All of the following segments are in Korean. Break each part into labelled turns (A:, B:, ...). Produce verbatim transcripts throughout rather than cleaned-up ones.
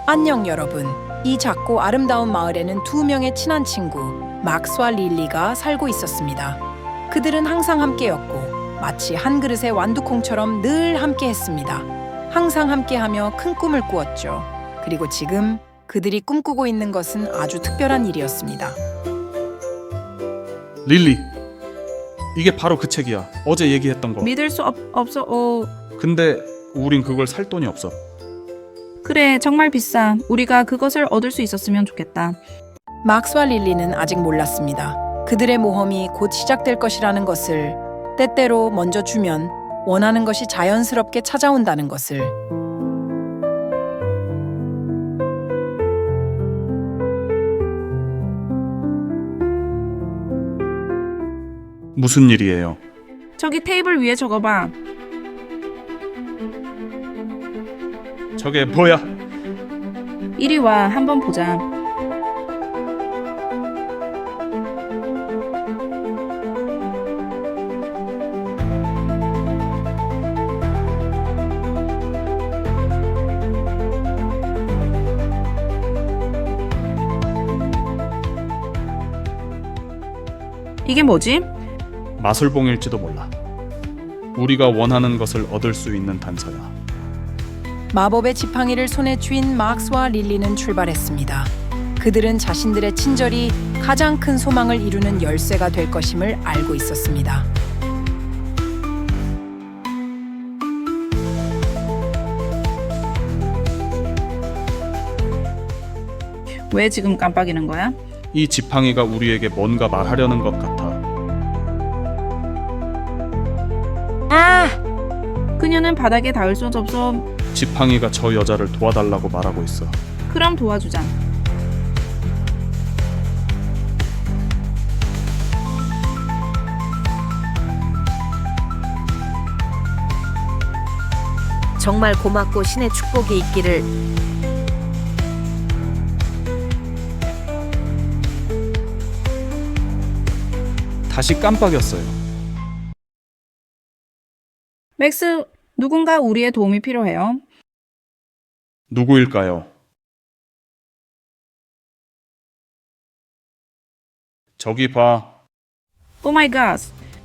A: 안녕 여러분. 이 작고 아름다운 마을에는 두 명의 친한 친구 막스와 릴리가 살고 있었습니다. 그들은 항상 함께였고 마치 한 그릇의 완두콩처럼 늘 함께했습니다. 항상 함께하며 큰 꿈을 꾸었죠. 그리고 지금 그들이 꿈꾸고 있는 것은 아주 특별한 일이었습니다.
B: 릴리, 이게 바로 그 책이야. 어제 얘기했던 거.
C: 믿을 수 없, 없어. 어,
B: 근데 우린 그걸 살 돈이 없어.
C: 그래, 정말 비싸. 우리가 그것을 얻을 수 있었으면 좋겠다.
A: 막스와 릴리는 아직 몰랐습니다. 그들의 모험이 곧 시작될 것이라는 것을, 때때로 먼저 주면 원하는 것이 자연스럽게 찾아온다는 것을.
B: 무슨 일이에요?
C: 저기 테이블 위에 적어봐.
B: 저게 뭐야?
C: 이리 와, 한번 보자. 이게 뭐지?
B: 마술봉일지도 몰라. 우리가 원하는 것을 얻을 수 있는 단서야.
A: 마법의 지팡이를 손에 쥔 막스와 릴리는 출발했습니다. 그들은 자신들의 친절이 가장 큰 소망을 이루는 열쇠가 될 것임을 알고 있었습니다.
C: 왜 지금 깜빡이는 거야?
B: 이 지팡이가 우리에게 뭔가 말하려는 것 같아.
C: 아! 그녀는 바닥에 닿을 수 없어.
B: 지팡이가 저 여자를 도와달라고 말하고 있어.
C: 그럼 도와주자.
D: 정말 고맙고 신의 축복이 있기를.
B: 다시 깜빡였어요.
C: 맥스, 누군가 우리의 도움이 필요해요.
B: 누구일까요? 저기 봐.
C: 오 마이 갓.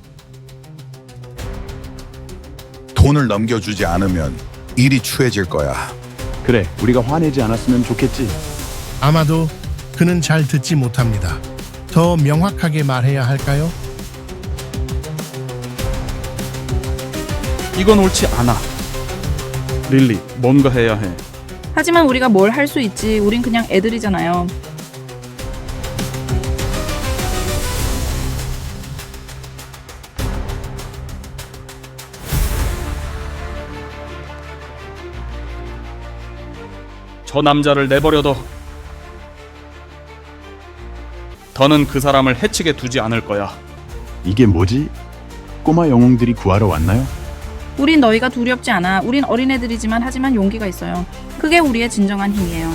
E: 돈을 넘겨주지 않으면 일이 추해질 거야.
F: 그래, 우리가 화내지 않았으면 좋겠지.
G: 아마도 그는 잘 듣지 못합니다. 더 명확하게 말해야 할까요?
B: 이건 옳지 않아. 릴리, 뭔가 해야 해.
C: 하지만 우리가 뭘 할 수 있지. 우린 그냥 애들이잖아요.
B: 저 남자를 내버려둬. 더는 그 사람을 해치게 두지 않을 거야.
F: 이게 뭐지? 꼬마 영웅들이 구하러 왔나요?
C: 우린 너희가 두렵지 않아. 우린 어린애들이지만 하지만 용기가 있어요. 그게 우리의 진정한 힘이에요.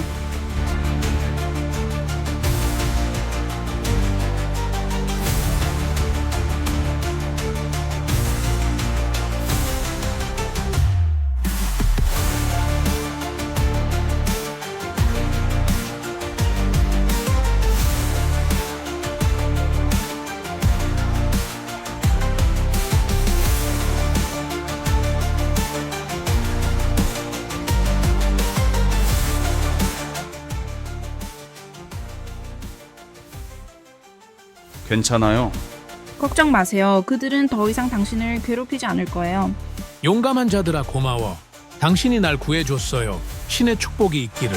B: 괜찮아요.
C: 걱정 마세요. 그들은 더 이상 당신을 괴롭히지 않을 거예요.
H: 용감한 자들아 고마워. 당신이 날 구해줬어요. 신의 축복이 있기를.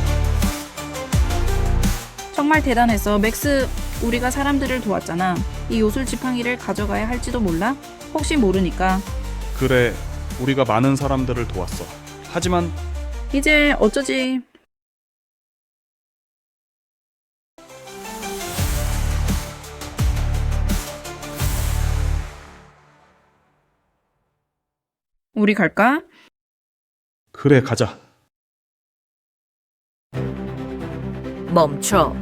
C: 정말 대단했어. 맥스, 우리가 사람들을 도왔잖아. 이 요술 지팡이를 가져가야 할지도 몰라? 혹시 모르니까.
B: 그래, 우리가 많은 사람들을 도왔어. 하지만
C: 이제 어쩌지? 우리 갈까?
B: 그래, 가자.
D: 멈춰.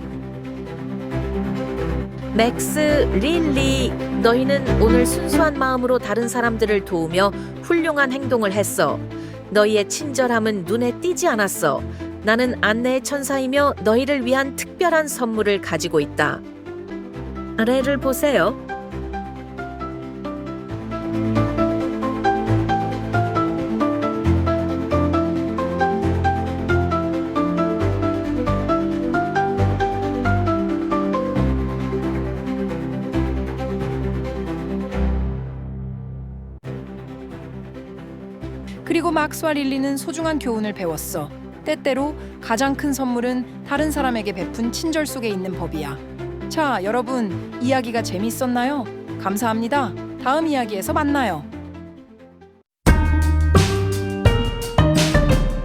D: 맥스, 릴리, 너희는 오늘 순수한 마음으로 다른 사람들을 도우며 훌륭한 행동을 했어. 너희의 친절함은 눈에 띄지 않았어. 나는 안내의 천사이며 너희를 위한 특별한 선물을 가지고 있다. 아래를 보세요.
A: 그리고 막스와 릴리는 소중한 교훈을 배웠어. 때때로 가장 큰 선물은 다른 사람에게 베푼 친절 속에 있는 법이야. 자, 여러분, 이야기가 재밌었나요? 감사합니다. 다음 이야기에서 만나요.